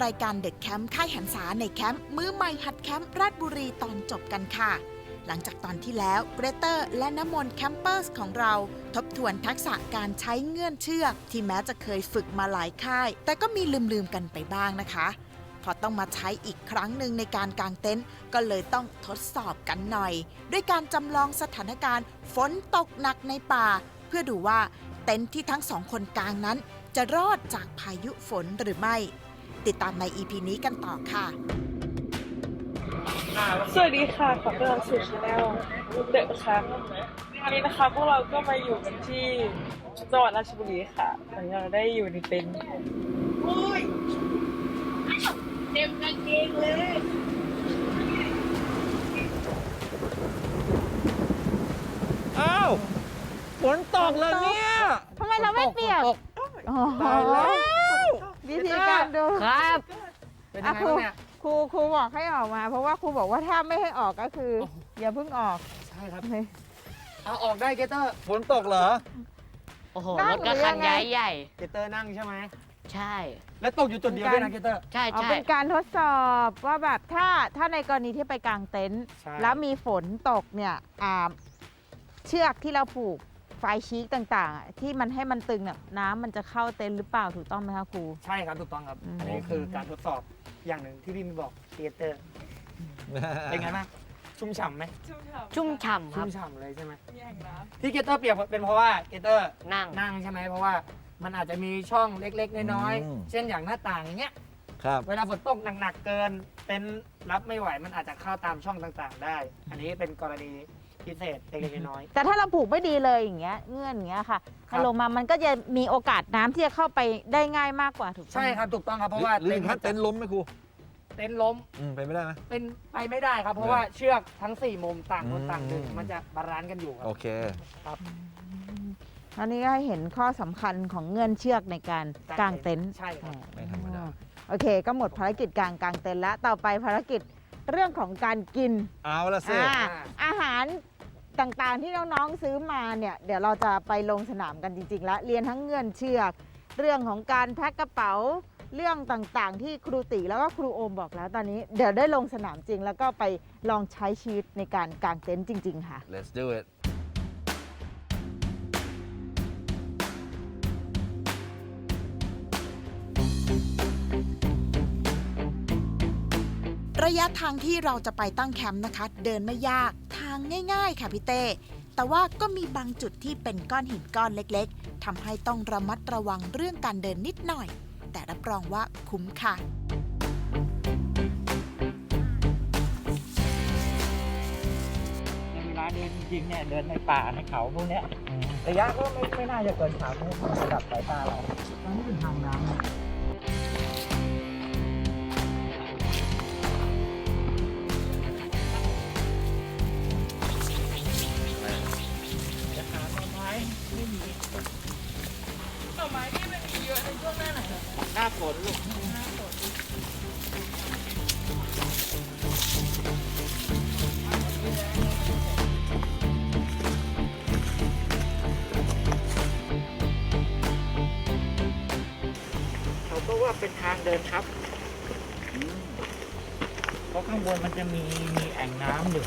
รายการเด็กแคมป์ค่ายหันษาในแคมป์มือใหม่หัดแคมป์ราชบุรีตอนจบกันค่ะหลังจากตอนที่แล้วเกรเตอร์และน้ำมนต์แคมเปอร์สของเราทบทวนทักษะการใช้เงื่อนเชือกที่แม้จะเคยฝึกมาหลายค่ายแต่ก็มีลืมกันไปบ้างนะคะพอต้องมาใช้อีกครั้งหนึ่งในการกางเต็นท์ก็เลยต้องทดสอบกันหน่อยด้วยการจำลองสถานการณ์ฝนตกหนักในป่าเพื่อดูว่าเต็นท์ที่ทั้งสองคนกางนั้นจะรอดจากพายุฝนหรือไม่ติดตามใน EP นี้กันต่อค่ะสวัสดีค่ะขอต้อนรับสู่ช anel เดอะครับวันนี้นะคะพวกเราก็มาอยู่กันที่จังหวัดราชบุรีค่ะวันนี้เราได้อยู่ในเต็นท์โอ้ยเต็มกางเกงเลยอ้าวฝนตกเลยเนี่ยทำไมเราไม่เปียกอ๋อตายแล้ววิธีการดูครับ เป็นยังไงครูบ้างเนี่ยครูบอกให้ออกมา เพราะว่าครูบอกว่าถ้าไม่ให้ออกก็คือ อย่าเพิ่งออกใช่ครับเอาออกได้เกเตอร์ฝนตกเหรอโอ้โหนั่รง ถก็หรือยัคังนไงใหญ่เกเตอร์นั่งใช่ไหมใช่แล้วตกอยู่จุดเดียวด้วยนะเกเตอร์ใช่เอาใช่เป็นการทดสอบว่าแบบถ้าในกรณีที่ไปกางเต็นท์ใช่แล้วมีฝนตกเนี่ยเชือกที่เราผูกไฟชีกต่างๆที่มันให้มันตึงเนี่ยน้ำมันจะเข้าเต็นท์หรือเปล่าถูกต้องไหมคะครูใช่ครับถูกต้องครับอืมอันนี้คือการทดสอบอย่างหนึ่งที่พี่มีบอกเกเตอร์เป็นไงบ้างชุ่มฉ่ำไหมชุ่มฉ่ำคชุ่รับมฉ่ำเลยใช่ไหมแย่งนะที่เกเตอร์เปียกเป็นเพราะว่าเกเตอร์นั่งนั่งใช่ไหมเพราะว่ามันอาจจะมีช่องเล็กๆน้อยอืมๆเช่นอย่างหน้าต่างอย่างเงี้ยครับเวลาฝนตกหนักๆเกินเป็นรับไม่ไหวมันอาจจะเข้าตามช่องต่างๆ ได้ อันนี้เป็นกรณีพิเศษเล็กๆน้อยแต่ถ้าเราผูกไม่ดีเลยอย่างเงี้ยเงื่อนอย่างเงี้ยค่ะครัถ้าบลงมามันก็จะมีโอกาสน้ำที่จะเข้าไปได้ง่ายมากกว่าถูกๆต้องใช่ครับถูกต้องครับเพราะว่าหรือถ้าเต็นท์ล้มไหมครูเต็นท์ล้มไปไม่ได้ไหมเป็นไปไม่ได้ครับ เพราะว่าเชือกทั้ง 4 มุมต่างคนต่างดึงอืมมันจะบาลานซ์กันอยู่ครัโอบ เคครับอันนี้ก็ให้เห็นข้อสำคัญของเงื่อนเชือกในการกางเต็นท์ใช่ครับไม่ธรรมดาโอเค ก็หมดภารกิจกางเต็นท์แล้วต่อไปภารกิจเรื่องของการกินเอาละสิอาหารต่างๆที่น้องๆซื้อมาเนี่ยเดี๋ยวเราจะไปลงสนามกันจริงๆแล้วเรียนทั้งเงื่อนเชือก เรื่องของการแพ็คกระเป๋าเรื่องต่างๆ ที่ครูติแล้วก็ครูโอมบอกแล้วตอนนี้เดี๋ยวได้ลงสนามจริง แล้วก็ไปลองใช้ชีวิตในการกางเต็นท์จริง ๆ ค่ะ let's do it ระยะทางที่เราจะไปตั้งแคมป์นะคะ เดินไม่ยากทางง่ายๆค่ะพี่เต้แต่ว่าก็มีบางจุดที่เป็นก้อนหินก้อนเล็กๆทำให้ต้องระมัดระวังเรื่องการเดินนิดหน่อย แต่รับรองว่าคุ้มค่ะเวลาเดินจริงๆเนี่ยเดินในป่าในเขาพวกเนี้ยระยะก็ไม่น่าจะเกิน3 เมตรระดับสายตาเราตอนนี้เป็นทางน้ำนะจะหาต้นไม้ไม่มีหน่อไม้ที่มันมีเยอะในช่วงหน้าไหนเหรอหน้าฝนลูก เขาก็ว่าเป็นทางเดินทับเพราะข้างบนมันจะมีแอ่งน้ำอยู่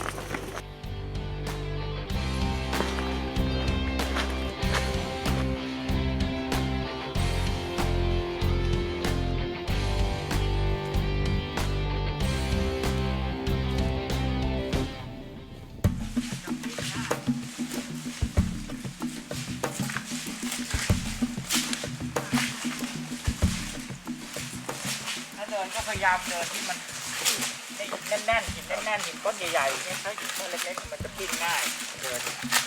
ถ้าเดินก็พยายามเดินที่มันแน่นๆหินแน่นๆหินก้อนใหญ่ๆเนี่ยถ้าหินก้อนเล็กๆมันจะปิ้นง่ายเดิน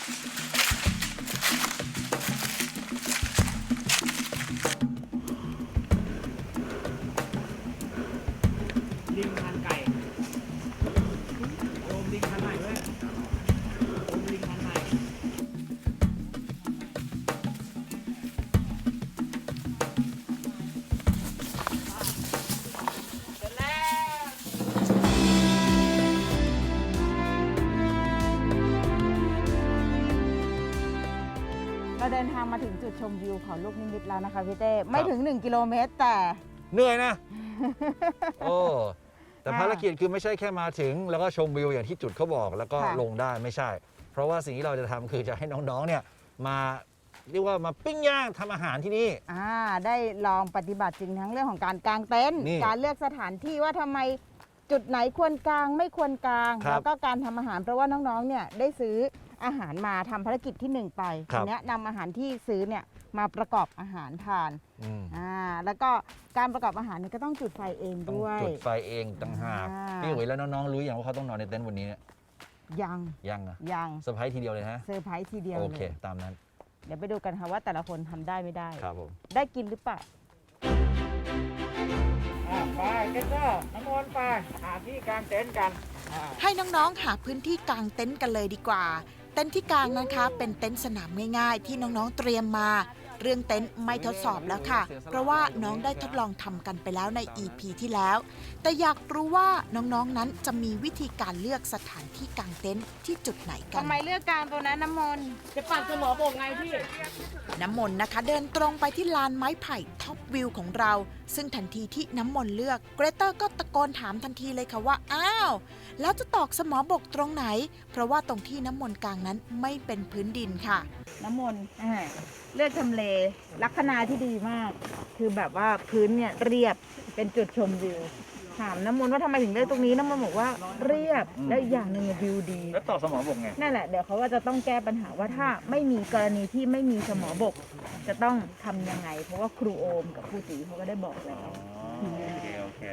ลิงพันไก่โอมลิงพันไหนด้วยโอมลิงพันไหนเราเดินทางมาถึงจุดชมวิวเขาลูกนิมิตแล้วนะคะพี่เต้ไม่ถึง 1 กิโลเมตรแต่เหนื่อยนะ โอ้แต่ภารกิจคือไม่ใช่แค่มาถึง แล้วก็ชมวิวอย่างที่จุดเขาบอกแล้วก็ค่ะลงได้ไม่ใช่ เพราะว่าสิ่งที่เราจะทำคือจะให้น้องๆเนี่ยมาเรียกว่ามาปิ้งย่างทำอาหารที่นี่ได้ลองปฏิบัติจริงทั้งเรื่องของการกางเต็นท์นี่การเลือกสถานที่ว่าทำไมจุดไหนควรกางไม่ควรกางครับแล้วก็การทำอาหารเพราะว่าน้องๆเนี่ยได้ซื้ออาหารมาทำภารกิจที่ 1 ไปครับทีเนี้ยนำอาหารที่ซื้อเนี่ยมาประกอบอาหารทานอืมแล้วก็การประกอบอาหารเนี่ยก็ต้องจุดไฟเองต้องด้วยจุดไฟเองต่างหากอ่าพี่อุ๋ยแล้วน้องๆรู้อย่างว่าเขาต้องนอนในเต็นท์วันนี้เนี่ยยังยังอะยังเซอร์ไพรส์ทีเดียวเลยฮะเซอร์ไพรส์ทีเดียวโอเลเคยตามนั้นเดี๋ยวไปดูกันค่ะว่าแต่ละคนทำได้ไม่ได้ครับผมได้กินหรือเปล่าไปกันก็น้ำมนต์ไปหาที่กางเต็นท์กันให้น้องๆ หาพื้นที่กางเต็นท์กันเลยดีกว่า เต็นท์ที่กางนะคะเป็นเต็นท์สนามง่ายๆ ที่น้องๆ เตรียมมา เรื่องเต็นท์ไม่ทดสอบแล้วค่ะ เพราะว่าน้องได้ทดลองทำกันไปแล้วใน EP ที่แล้ว แต่อยากรู้ว่าน้องๆ นั้นจะมีวิธีการเลือกสถานที่กางเต็นท์ที่จุดไหนกันทำไมเลือกกางตัวนั้นน้ำมนต์จะปัดสมอบกไงพี่น้ำมนต์นะคะเดินตรงไปที่ลานไม้ไผ่ท็อปวิวของเรา ซึ่งทันทีที่น้ำมนต์เลือกเกรเตอร์ก็ตะโกนถามทันทีเลยค่ะว่าอ้าวแล้วจะตอกสมอบกตรงไหน เพราะว่าตรงที่น้ำมนต์กลางนั้นไม่เป็นพื้นดินค่ะน้ำมนต์เลือกทำเลลักษณะที่ดีมาก คือแบบว่าพื้นเนี่ยเรียบเป็นจุดชมวิว ถามน้ำมนต์ว่าทำไมถึงเลือกตรงนี้น้ำมนต์บอกว่าเรียบและอีกอย่างหนึ่งวิวดีแล้วต่อสมอบกไงนั่นแหละเดี๋ยวเขาว่าจะต้องแก้ปัญหาว่าถ้าไม่มีกรณีที่ไม่มีสมอบก จะต้องทำยังไง เพราะว่าครูโอมกับครูตีเขาก็ได้บอกแล้วโอเค โอเค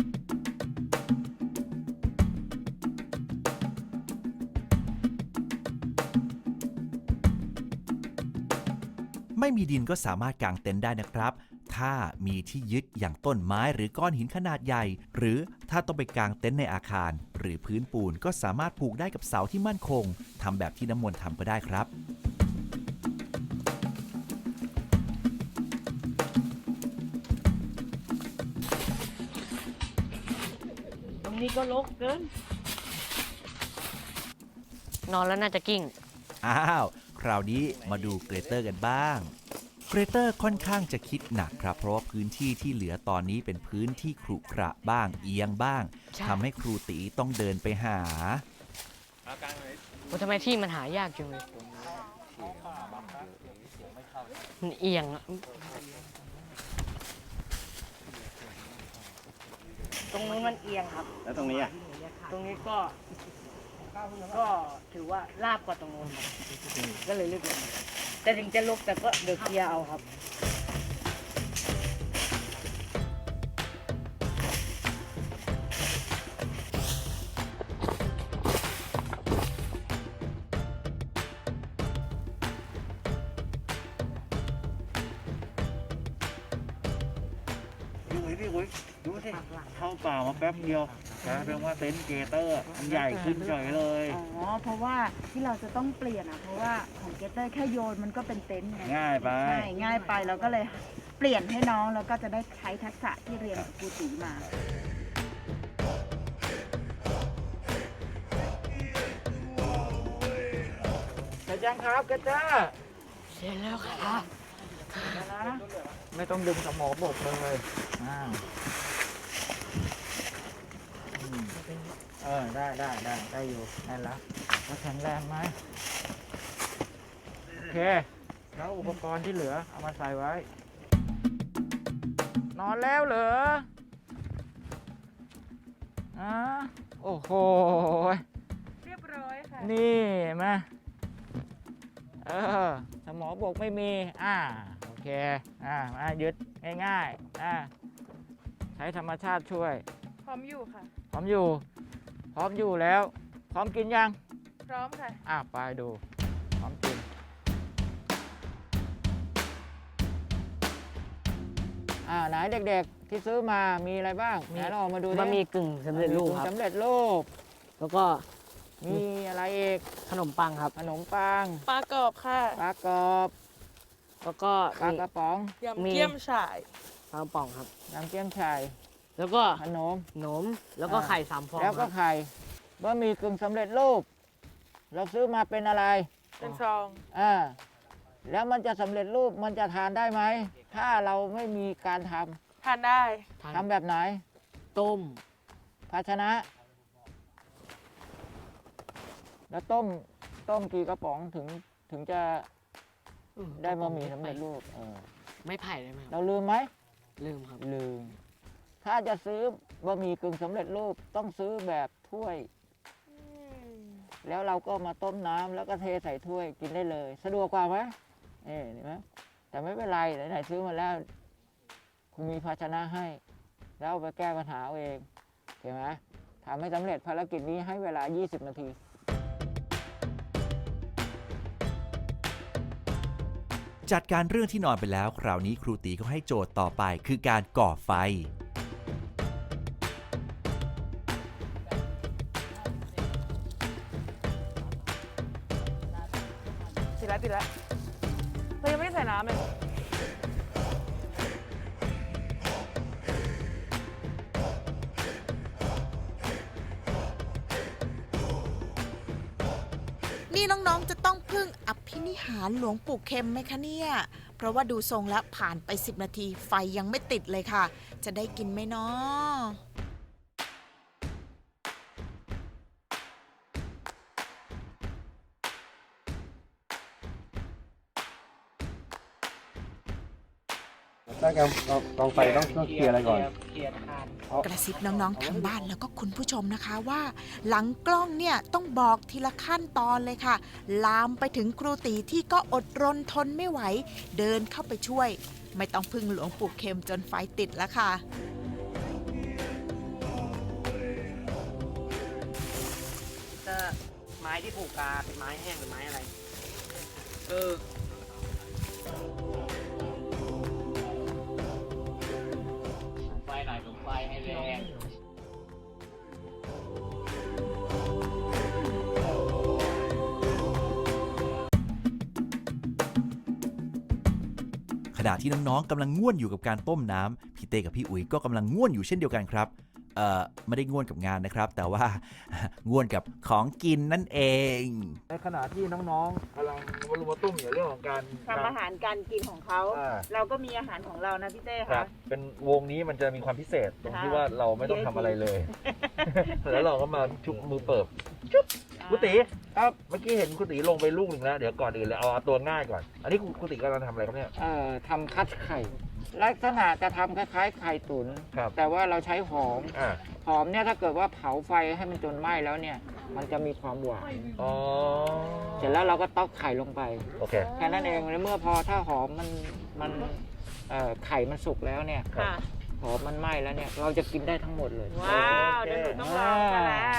ไม่มีดินก็สามารถกางเต็นท์ได้นะครับ ถ้ามีที่ยึดอย่างต้นไม้หรือก้อนหินขนาดใหญ่ หรือถ้าต้องไปกางเต็นท์ในอาคาร หรือพื้นปูนก็สามารถผูกได้กับเสาที่มั่นคงทำแบบที่น้ำมนต์ทำก็ได้ครับตรงนี้ก็ลกเกิน นอนแล้วน่าจะกิ้งอ้าว คราวนี้มาดูเกรเตอร์กันบ้าง เกรเตอร์ค่อนข้างจะคิดหนักครับ เพราะว่าพื้นที่ที่เหลือตอนนี้เป็นพื้นที่ขรุขระบ้าง เอียงบ้างใช่ทำให้ครูตีต้องเดินไปหาทำไมที่มันหายากจังเลยมันเอียงอะ ตรงนู้นมันเอียงครับแล้วตรงนี้อ่ะตรงนี้ก็ถือว่าลาบกว่าตรงนู้นครับก็เลยเลือกลงแต่ถึงจะลกแต่ก็เดือเคลียร์เอาครับพี่อุ๋ยดูสิ เข้าป่ามาแป๊บเดียวกลายเป็นว่าเต็นท์เกเตอร์มันใหญ่ขึ้นเฉยเลยอ๋อ เพราะว่าที่เราจะต้องเปลี่ยนอ่ะ เพราะว่าของเกตเตอร์แค่โยนมันก็เป็นเต็นท์ไงง่ายไปใช่ ง่ายไปเราก็เลยเปลี่ยนให้น้องแล้วก็จะได้ใช้ทักษะที่เรียนกับครูตีมาเสร็จยังครับเกตเตอร์เสร็จแล้วครับไม่ต้องดึงสมอบกเลยได้อยู่แน่นแล้วแล้วแข็งแรงไหมโอเค แล้วอุปกรณ์ที่เหลือเอามาใส่ไว้ นอนแล้วเหรอโอ้โหเรียบร้อยค่ะนี่เห็นไหมสมอบกไม่มี โอเค มายึดง่ายๆใช้ธรรมชาติช่วยพร้อมอยู่ค่ะพร้อมอยู่แล้ว พร้อมกินยังพร้อมค่ะไปดู พร้อมกิน ไหนเด็กๆ ที่ซื้อมามีอะไรบ้างไหนเราออกมาดูบะหมี่กึ่งสำเร็จรูปครับสำเร็จรูปแล้วก็มีอะไรอีกขนมปังครับขนมปังปลากรอบค่ะปลากรอบแล้วก็ปลากระป๋องยำเกี๊ยมฉ่ายปลากระป๋องครับน้ำเกี๊ยมไข่แล้วก็ขนมขนม แล้วก็ไข่3 ฟองแล้วคก็รับไข่บะหมี่กึ่งสำเร็จรูป เราซื้อมาเป็นอะไรเป็นซองแล้วมันจะสำเร็จรูปมันจะทานได้ไหม ถ้าเราไม่มีการทำทานได้ทำแบบไหนต้มภาชนะ แล้วต้มกี่กระป๋องถึงจะได้บะหมี่สำเร็จรูปไม่ไผ่ได้ไหมครับเราลืมไหมลืมครับลืม ถ้าจะซื้อบะหมี่กึ่งสำเร็จรูปต้องซื้อแบบถ้วย แล้วเราก็มาต้มน้ำแล้วก็เทใส่ถ้วยกินได้เลย สะดวกกว่าไหมเห็นไหมแต่ไม่เป็นไรไหนๆซื้อมาแล้ว คุณมีภาชนะให้ แล้วเอาไปแก้ปัญหาเอาเองเห็นไหมทำให้สำเร็จภารกิจนี้ให้เวลา 20 นาทีจัดการเรื่องที่นอนไปแล้วคราวนี้ครูตีก็ให้โจทย์ต่อไปคือการก่อไฟติดแล้วเรายังไม่ได้ใส่น้ำเลยนี่น้องๆจะต้องพึ่งอภินิหารหลวงปู่เข็มไหมคะเนี่ย เพราะว่าดูทรงแล้วผ่านไป 10 นาทีไฟยังไม่ติดเลยค่ะ จะได้กินไหมเนาะถ้าการกองไฟต้องเคลียร์อะไรก่อนเคลียร์ทานกระซิบน้องๆทางบ้านแล้วก็คุณผู้ชมนะคะว่า หลังกล้องเนี่ยต้องบอกทีละขั้นตอนเลยค่ะ ลามไปถึงครูตีที่ก็อดรนทนไม่ไหว เดินเข้าไปช่วย ไม่ต้องพึ่งหลวงปู่เข็มจนไฟติดแล้วค่ะจะไม้ที่ผูกกาเป็นไม้แห้งหรือไม้อะไรไฟหน่อยลงไฟให้แรงขณะที่น้องๆกำลังง่วนอยู่กับการต้มน้ำพี่เต้กับพี่อุ๋ยก็กำลังง่วนอยู่เช่นเดียวกันครับไม่ได้ง่วนกับงานนะครับ แต่ว่า ง่วนกับของกินนั่นเองในขณะที่น้องๆกำลังมาตุ้มอยู่เรื่องของการทำอาหารการกินของเขาอ่าเราก็มีอาหารของเรานะพี่เต้ครัคะบเป็นวงนี้มันจะมีความพิเศษตรงที่ค่ะว่าเราไม่ต้องทำอะไรเลย แล้วเราก็มาชุบมือเปิบชุบคุณตีครับเมื่อกี้เห็นคุณตีลงไปลูกหนึ่งแล้วเดี๋ยวก่อนอื่นเลยเอาตัวง่ายก่อน อันนี้คุณตีกำลังทำอะไรครับเนี่ยทำคัดไข่ ลักษณะจะทำคล้ายๆไข่ตุ๋นครับแต่ว่าเราใช้หอมอ่าหอมเนี่ยถ้าเกิดว่าเผาไฟให้มันจนไหม้แล้วเนี่ย มันจะมีความหวานอ๋อเสร็จแล้วเราก็ตอกไข่ลงไปโอเคแค่นั้นเองแล้วเมื่อพอถ้าหอมมันไข่มันสุกแล้วเนี่ยค่ะหอมมันไหม้แล้วเนี่ยเราจะกินได้ทั้งหมดเลยว้าวเดี๋ยวหนูต้องลองกันแล้ว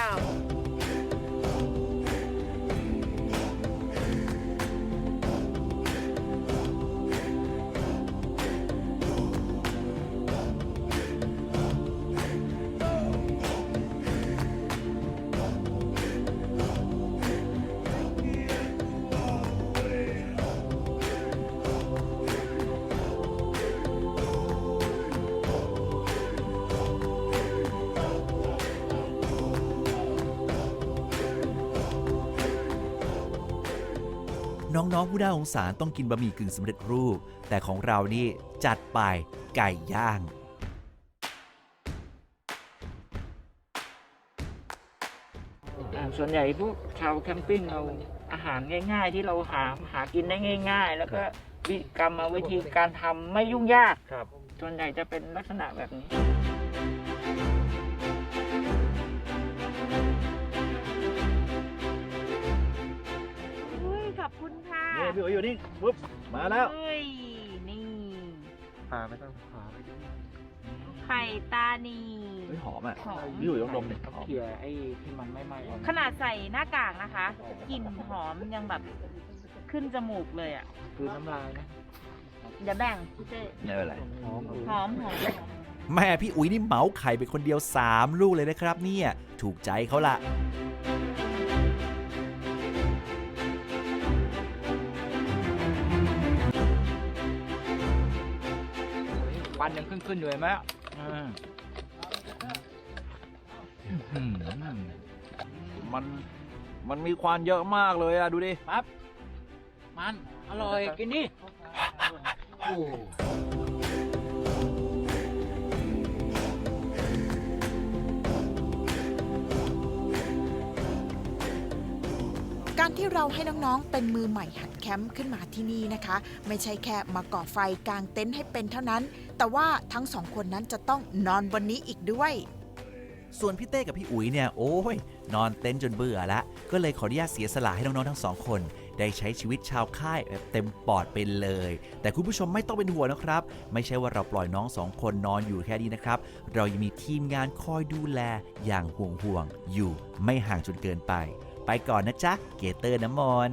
น้องๆผู้น่าสงสารต้องกินบะหมี่กึ่งสำเร็จรูป แต่ของเรานี่จัดไปไก่ย่างส่วนใหญ่พวกชาวแคมปิ้งเอาอาหารง่าย ๆ ที่เราหากินได้ง่าย ๆ แล้วก็วิธีการทำไม่ยุ่งยากครับส่วนใหญ่จะเป็นลักษณะแบบนี้ขอบคุณค่ะนี่พี่อุ๋ยอยู่นี่ปุ๊บมาแล้วเฮ้ยนี่พาไม่ต้องพาไปดูไข่ตานีเฮ้ยหอมอ่ะหอมพี่อุ๋ยต้องดมเนี่ยหอมเขี่ยไอ้ที่มันไม่ไหม้ออกขนาดใส่หน้ากากนะคะกลิ่นหอมยังแบบขึ้นจมูกเลยอ่ะคือน้ำลายนะเดี๋ยวแบ่งพี่เต้ไม่เป็นไรหอมหอมหอมแม่พี่อุ๋ยนี่เหมาไข่ไปคนเดียว 3 ลูกเลยนะครับเนี่ยถูกใจเขาละควันยังขึ้นอยู่เห็นไหมมันมีควันเยอะมากเลยอ่ะดูดิปั๊บ มันอร่อยกินดิการที่เราให้น้องๆเป็นมือใหม่หัดแคมป์ขึ้นมาที่นี่นะคะ ไม่ใช่แค่มาก่อไฟกางเต็นท์ให้เป็นเท่านั้น แต่ว่าทั้งสองคนนั้นจะต้องนอนบนนี้อีกด้วยส่วนพี่เต้กับพี่อุ๋ยเนี่ยโอ้ยนอนเต็นท์จนเบื่อละก็เลยขออนุญาตเสียสละให้น้องๆทั้งสองคนได้ใช้ชีวิตชาวค่ายแบบเต็มปอดไปเลย แต่คุณผู้ชมไม่ต้องเป็นห่วงนะครับไม่ใช่ว่าเราปล่อยน้องสองคนนอนอยู่แค่นี้นะครับเรายังมีทีมงานคอยดูแลอย่างห่วงๆอยู่ไม่ห่างจนเกินไปไปก่อนนะจ๊ะเกเตอร์น้ำมนต์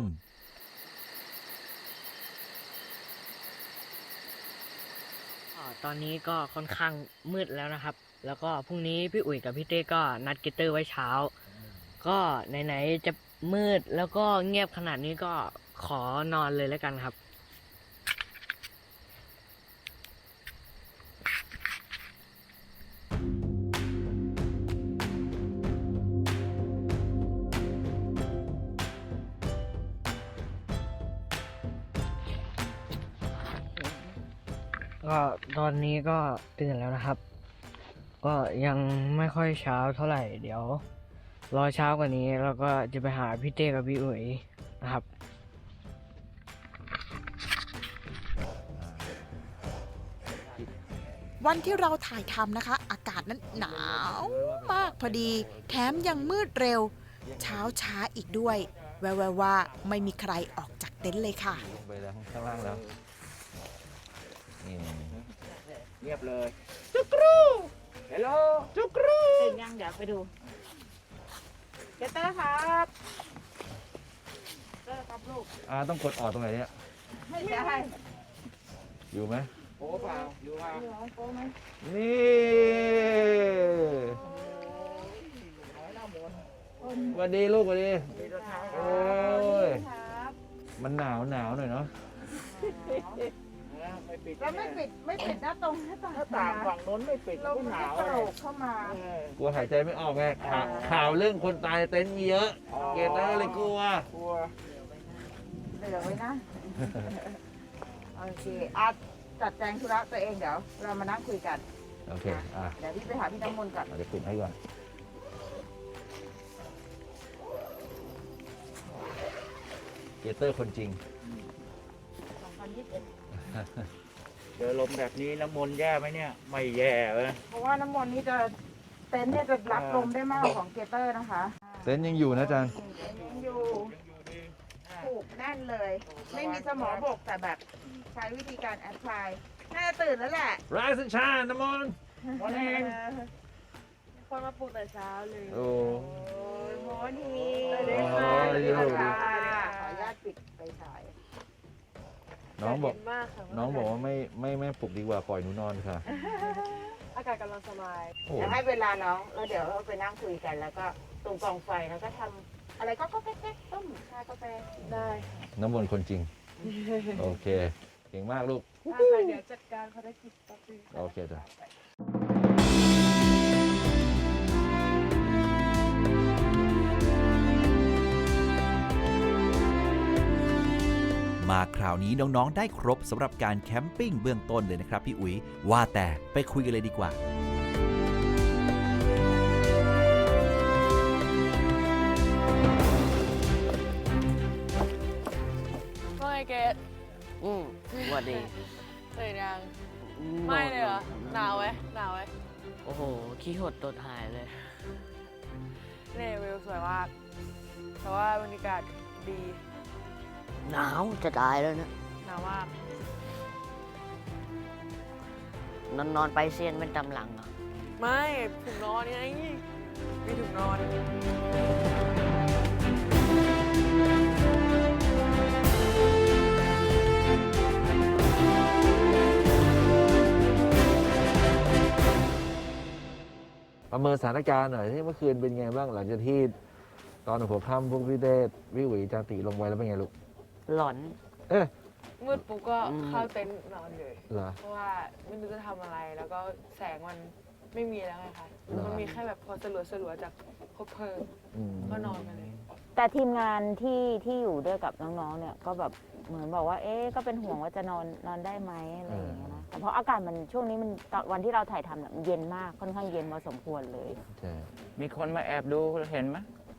ตอนนี้ก็ค่อนข้างมืดแล้วนะครับ แล้วก็พรุ่งนี้พี่อุ๋ยกับพี่เต้ก็นัดเกตเตอร์ไว้เช้า ก็ไหนๆจะมืดแล้วก็เงียบขนาดนี้ก็ขอนอนเลยแล้วกันครับ ก็ตอนนี้ก็ตื่นแล้วนะครับ ก็ยังไม่ค่อยเช้าเท่าไหร่เดี๋ยวรอเช้ากว่านี้แล้วก็จะไปหาพี่เต้กับพี่อุ๋ยนะครับวันที่เราถ่ายทำนะคะ อากาศนั้นหนาวมากพอดี แถมยังมืดเร็ว เช้าช้าอีกด้วย แววๆว่าไม่มีใครออกจากเต็นท์เลยค่ะลงไปแล้วข้างล่างแล้วนี่เงียบเลยจุกรูเฮลโลจุกรูตื่นยังเดี๋ยวไปดูเกเตอร์ครับเกเตอร์ครับลูกต้องกดออกตรงไหนเนี่ยไม่ใช่อยู่ไหมโอ้เปล่าอยู่เปล่านี่สวัสดีลูกสวัสดีโอ้ยมันหนาวหน่อยเนาะแล้วไม่ปิดหน้าตรงหน้าต่างฝั่งโน้นไม่ปิดลมมันจะโกรกเข้ามากลัวหายใจไม่ออกไงข่าวเรื่องคนตายในเต็นท์มีเยอะ เกตเตอร์เลยกลัวเหลือไว้นะ โอเคอาจัดแจงธุระตัวเองเดี๋ยวเรามานั่งคุยกันโอเคเดี๋ยวพี่ไปหาพี่น้ำมนต์ก่อนเดี๋ยวปิดให้ก่อน เกตเตอร์คนจริงเจอลมแบบนี้น้ำมนต์แย่ไหมเนี่ย ไม่แย่เลยเพราะว่าน้ำมนต์นี่จะเต็นท์เนี่ยจะรับลมได้มากกว่าของเกเตอร์นะคะเต็นท์ยังอยู่นะจันยังอยู่ผูกแน่นเลย ไม่มีสมอบกแต่แบบใช้วิธีการแอพพลายน่าจะตื่นแล้วแหละ Rise and shine น้ำมนต์คนมาปลุกแต่เช้าเลยโอ้โมนีสวัสดีค่ะขออนุญาตปิดไปฉายน้องบอกเย็นมากค่ะน้องบอกว่าไม่ปลุกดีกว่าปล่อยหนูนอนค่ะอากาศกำลังสบายโอ้เดี๋ยวให้เวลาน้องแล้วเดี๋ยวเราไปนั่งคุยกันแล้วก็ตรงกองไฟแล้วก็ทำอะไรก็แก๊กๆต้มชากาแฟได้น้ำมนต์คนจริง โอเค เก่งมากลูกค่ะเดี๋ยวจัดการภารกิจแป๊บนึงโอเคจ้ะมาคราวนี้น้องๆได้ครบสำหรับการแคมปิ้งเบื้องต้นเลยนะครับพี่อุ๋ยว่าแต่ไปคุยกันเลยดีกว่าว่าไงเกดสวัสดีตื่นยังไม่เลยเหรอ หนาวไหมหนาวไหมโอ้โห ขี้หดตดหายเลยนี่วิวสวยมากแต่ว่าบรรยากาศดีหนาวจะตายแล้วนะหนาวมากนอนไปเซียนเป็นตำหลังเหรอไม่ถุงนอนไงมีถุงนอนประเมินสถานการณ์หน่อยที่เมื่อคืนเป็นไงบ้างหลังจากที่ตอนหัวค่ำพวกพี่เต้พี่หวีจาติลงไปแล้วเป็นไงลูกหลอนมืดปุ๊บก็เข้าเต็นท์นอนเลยเหรอเพราะว่าไม่รู้จะทำอะไร แล้วก็แสงมันไม่มีแล้วไงคะหรอมันมีแค่แบบพอสลัวๆจากคบเพลิงอืมก็นอนมาเลยแต่ทีมงานที่อยู่ด้วยกับน้องๆเนี่ยก็แบบเหมือนบอกว่าก็เป็นห่วงว่าจะนอนได้ไหมอะไรอย่างเงี้ยนะแต่เพราะอากาศมันช่วงนี้มันตอนวันที่เราถ่ายทำเนี่ยมันเย็นมากค่อนข้างเย็นพอสมควรเลยใช่มีคนมาแอบดูเห็นไหม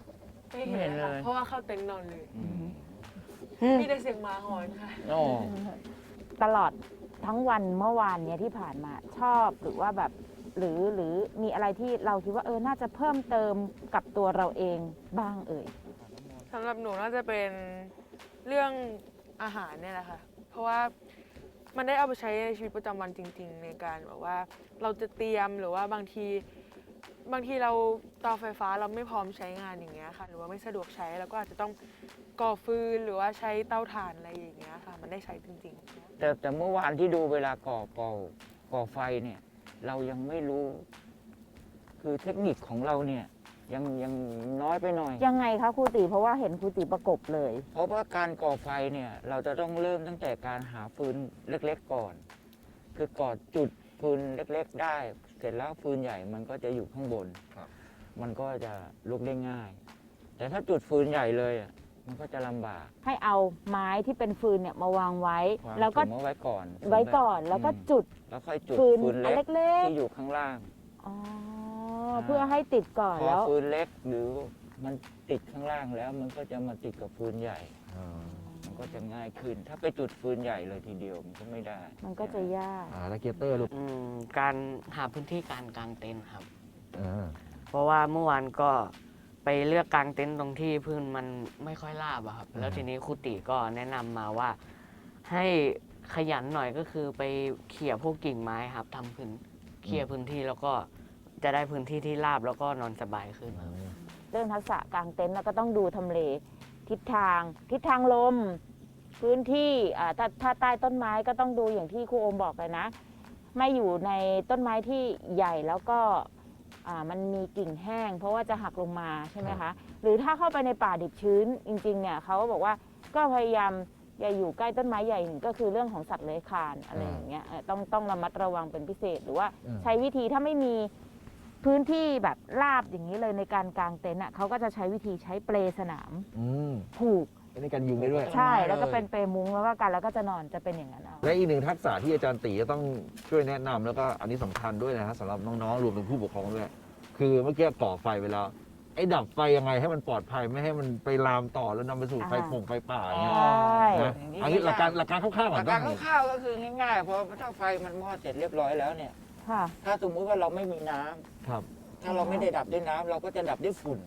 ไม่เห็นเลยค่ะเพราะว่าเข้าเต็นท์นอนเลย มีแต่เสียงหมาหอนค่ะโอ้ตลอดทั้งวันเมื่อวานเนี้ยที่ผ่านมาชอบหรือว่าแบบหรือมีอะไรที่เราคิดว่าน่าจะเพิ่มเติมกับตัวเราเองบ้างเอ่ยสำหรับหนูน่าจะเป็นเรื่องอาหารเนี่ยแหละค่ะ เพราะว่ามันได้เอาไปใช้ในชีวิตประจำวันจริง ๆ ในการแบบว่าเราจะเตรียมหรือว่าบางทีเราเตาไฟฟ้าเราไม่พร้อมใช้งานอย่างเงี้ยค่ะ หรือว่าไม่สะดวกใช้แล้วก็อาจจะต้องก่อฟืนหรือว่าใช้เตาถ่านอะไรอย่างเงี้ยค่ะ มันได้ใช้จริง ๆแต่เมื่อวานที่ดูเวลาก่อไฟเนี่ย เรายังไม่รู้ คือเทคนิคของเราเนี่ยยังน้อยไปหน่อยยังไงคะครูติเพราะว่าเห็นครูติประกบเลยเพราะว่าการก่อไฟเนี่ยเราจะต้องเริ่มตั้งแต่การหาฟืนเล็กๆก่อน คือก่อจุดฟืนเล็กๆได้ เสร็จแล้วฟืนใหญ่มันก็จะอยู่ข้างบน มันก็จะลุกได้ง่าย แต่ถ้าจุดฟืนใหญ่เลยอ่ะมันก็จะลำบากให้เอาไม้ที่เป็นฟืนเนี่ยมาวางไว้วางแล้วก็ถุงเอาไว้ก่อนแล้วก็จุดแล้วค่อยจุดฟืนฟืนอันเล็กเล็กที่อยู่ข้างล่างๆอ๋อเพื่อให้ติดก่อนพอแล้วฟืนเล็กหรือมันติดข้างล่างแล้วมันก็จะมาติดกับฟืนใหญ่ มันก็จะง่ายขึ้น ถ้าไปจุดฟืนใหญ่เลยทีเดียวมันก็ไม่ได้มันก็จะยากแล้วเกเตอร์ลูกการหาพื้นที่การกางเต็นท์ครับอ่าเพราะว่าเมื่อวานก็ไปเลือกกางเต็นท์ตรงที่พื้นมันไม่ค่อยราบอะครับ แล้วทีนี้ครูติก็แนะนำมาว่า ให้ขยันหน่อยก็คือไปเขี่ยพวกกิ่งไม้ครับทำเขี่ยพื้นที่แล้วก็จะได้พื้นที่ที่ราบแล้วก็นอนสบายขึ้นครับเรื่องทักษะกางเต็นท์เราก็ต้องดูทำเลทิศทางลม พื้นที่ถ้าใต้ต้นไม้ก็ต้องดูอย่างที่ครูโอมบอกเลยนะ ไม่อยู่ในต้นไม้ที่ใหญ่แล้วก็มันมีกิ่งแห้ง เพราะว่าจะหักลงมาใช่ไหมคะ หรือถ้าเข้าไปในป่าดิบชื้นจริงๆเนี่ยเขาก็บอกว่าก็พยายามอย่าอยู่ใกล้ต้นไม้ใหญ่ก็คือเรื่องของสัตว์เลื้อยคลานอะไรอย่างเงี้ยต้องระมัดระวังเป็นพิเศษ หรือว่าใช้วิธีถ้าไม่มีพื้นที่แบบราบอย่างนี้เลยในการกางเต็นท์เขาก็จะใช้วิธีใช้เปลสนามผูกในการยุงได้ด้วยใช่แล้วก็เป็นเปลมุ้งแล้วก็กันแล้วก็จะนอนจะเป็นอย่างนั้นเอาและอีกหนึ่งทักษะที่อาจารย์ตีจะต้องช่วยแนะนำแล้วก็อันนี้สำคัญด้วยนะฮะสำหรับน้องๆรวมถึงผู้ปกครองด้วยคือเมื่อกี้ก่อไฟไปแล้วไอ้ดับไฟยังไงให้มันปลอดภัยไม่ให้มันไปลามต่อแล้วนำไปสู่ไฟป่าอย่างเงี้ยใช่นะอันนี้หลักการคร่าวๆหก่อลันกการคร่าวๆก็คือง่ายๆพอถ้าไฟมันมอดเสร็จเรียบร้อยแล้วเนี่ยค่ะถ้าสมมุติว่าเราไม่มีน้ำครับถ้าเราไม่ได้ดับด้วยน้ำเราก็จะดับด้วยฝุ่น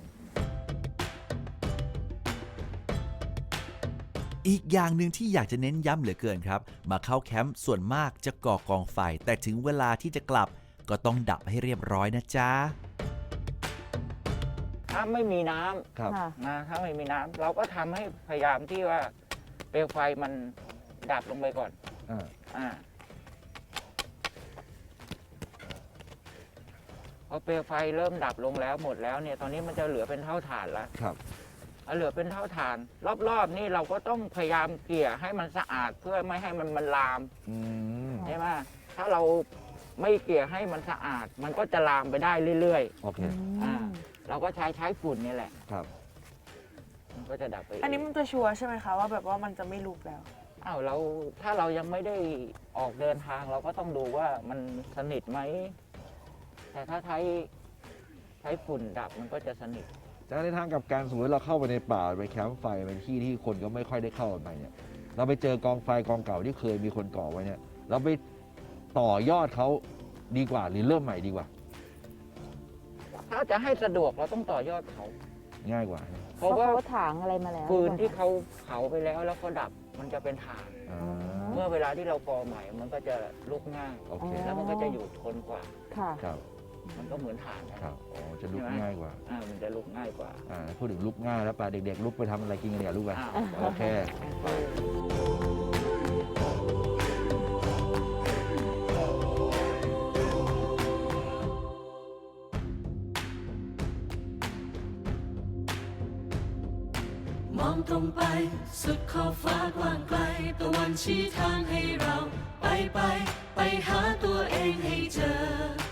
อีกอย่างหนึ่งที่อยากจะเน้นย้ำเหลือเกินครับ มาเข้าแคมป์ส่วนมากจะก่อกองไฟ แต่ถึงเวลาที่จะกลับก็ต้องดับให้เรียบร้อยนะจ๊ะถ้าไม่มีน้ำครับค่ะนะถ้าไม่มีน้ำเราก็ทำให้พยายามที่ว่าเปลวไฟมันดับลงไปก่อนอ่าพอเปลวไฟเริ่มดับลงแล้วหมดแล้วเนี่ยตอนนี้มันจะเหลือเป็นเท่าฐานแล้วครับเหลือเป็นเท่าฐาน รอบๆนี่เราก็ต้องพยายามเกลี่ยให้มันสะอาดเพื่อไม่ให้มันลามอืมใช่ไหมถ้าเราไม่เกลี่ยให้มันสะอาด มันก็จะลามไปได้เรื่อยโอเคเราก็ใช้ฝุ่นนี่แหละครับมันก็จะดับไปอันนี้มันจะชัวร์ใช่ไหมคะว่าแบบว่ามันจะไม่ลุกแล้วอ้าวถ้าเรายังไม่ได้ออกเดินทางเราก็ต้องดูว่ามันสนิทไหมแต่ถ้าใช้ฝุ่นดับมันก็จะสนิทจากในทางกับการสมมติเราเข้าไปในป่าไปแคมป์ไฟเป็นที่ที่คนก็ไม่ค่อยได้เข้าไปเนี่ยเราไปเจอกองไฟกองเก่าที่เคยมีคนก่อไว้เนี่ยเราไปต่อยอดเขาดีกว่าหรือเริ่มใหม่ดีกว่าถ้าจะให้สะดวกเราต้องต่อยอดเขาง่ายกว่าเพเพราะราะว่าเขาถางอะไรมาแล้วฟืนที่เขาเผาไปแล้วก็ดับมันจะเป็นถ่านอ่าเมื่อเวลาที่เราก่อใหม่มันก็จะลุกง่ายโอเคแล้วมันก็จะอยู่ทนกว่าค่ะครับมันก็เหมือนถ่านนะครับอ๋อจะลุกง่ายกว่ามันจะลุกง่ายกว่าพูดถึงลุกง่ายแล้วป่ะเด็กๆลุกไปทำอะไรกินกันเนี่ยลุกไปอ้าวโอเคมองตรงไปสุดขอบฟ้ากว้างไกลตะวันชี้ทางให้เราไปหาตัวเองให้เจอ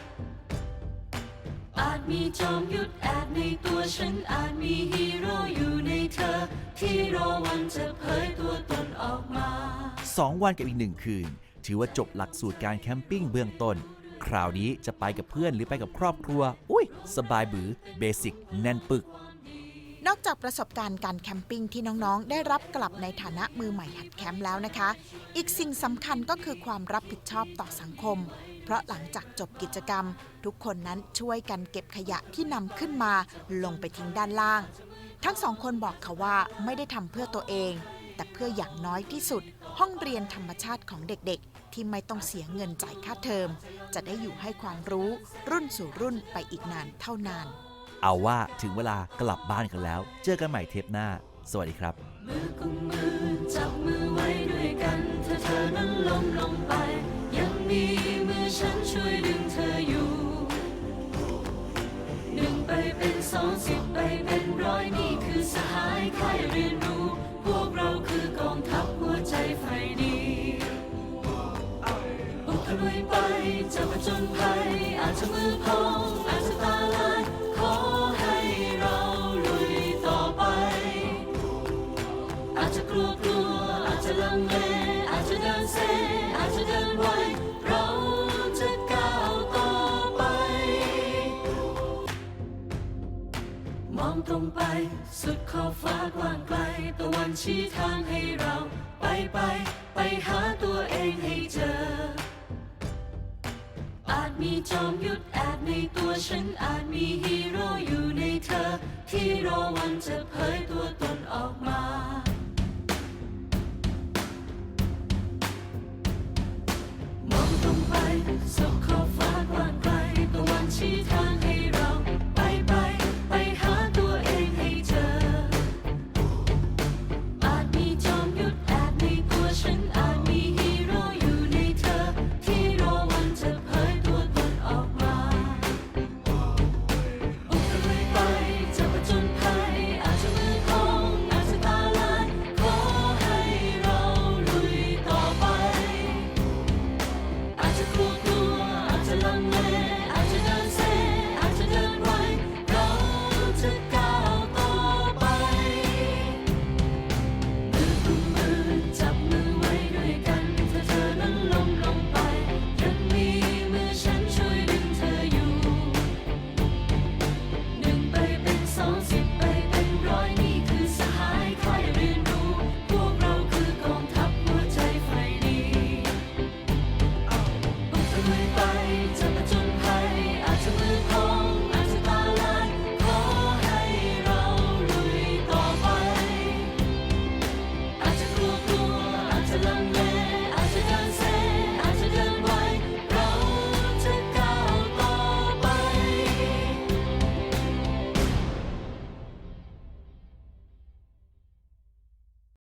อาจมีจอมยุทธแอบในตัวฉันอาจมีฮีโร่อยู่ในเธอ ที่รอวันจะเผยตัวตนออกมา 2 วันกับอีก 1 คืน ถือว่าจบหลักสูตรการแคมปิ้งเบื้องต้น คราวนี้จะไปกับเพื่อนหรือไปกับครอบครัว อุ้ยสบายบือเบสิกแน่นปึกนอกจากประสบการณ์การแคมปิ้งที่น้องๆได้รับกลับในฐานะมือใหม่หัดแคมป์แล้วนะคะ อีกสิ่งสำคัญก็คือความรับผิดชอบต่อสังคม เพราะหลังจากจบกิจกรรมทุกคนนั้นช่วยกันเก็บขยะที่นำขึ้นมาลงไปทิ้งด้านล่าง ทั้งสองคนบอกค่ะว่าไม่ได้ทำเพื่อตัวเองแต่เพื่ออย่างน้อยที่สุดห้องเรียนธรรมชาติของเด็กๆที่ไม่ต้องเสียเงินจ่ายค่าเทอมจะได้อยู่ให้ความรู้รุ่นสู่รุ่นไปอีกนานเท่านานเอาว่าถึงเวลากลับบ้านกันแล้ว เจอกันใหม่เทปหน้า สวัสดีครับมือกุมมือจับมือไว้ด้วยกันถ้าเธอนั้นล้มลงไปยังมีมือฉันช่วยดึงเธออยู่1 ไปเป็น2 10 ไปเป็น100นี่คือสหายค่ายเรียนรู้พวกเราคือกองทัพหัวใจไฟดีบุกตะลุยไปจะผจญภัยอาจจะมือพองอาจจะตาลายขอให้เราลุยต่อไปอาจจะกลัวอาจจะลังเลอาจจะเดินเซอาจจะเดินไวเราจะก้าวต่อไปมองตรงไปสุดขอบฟ้ากว้างไกลตะวันชี้ทางให้เราไปหาตัวเองให้เจออาจมีจอมยุทธแอบในตัวฉันอาจมีฮีโร่อยู่ในเธอที่รอวันจะเผยตัวตนออกมา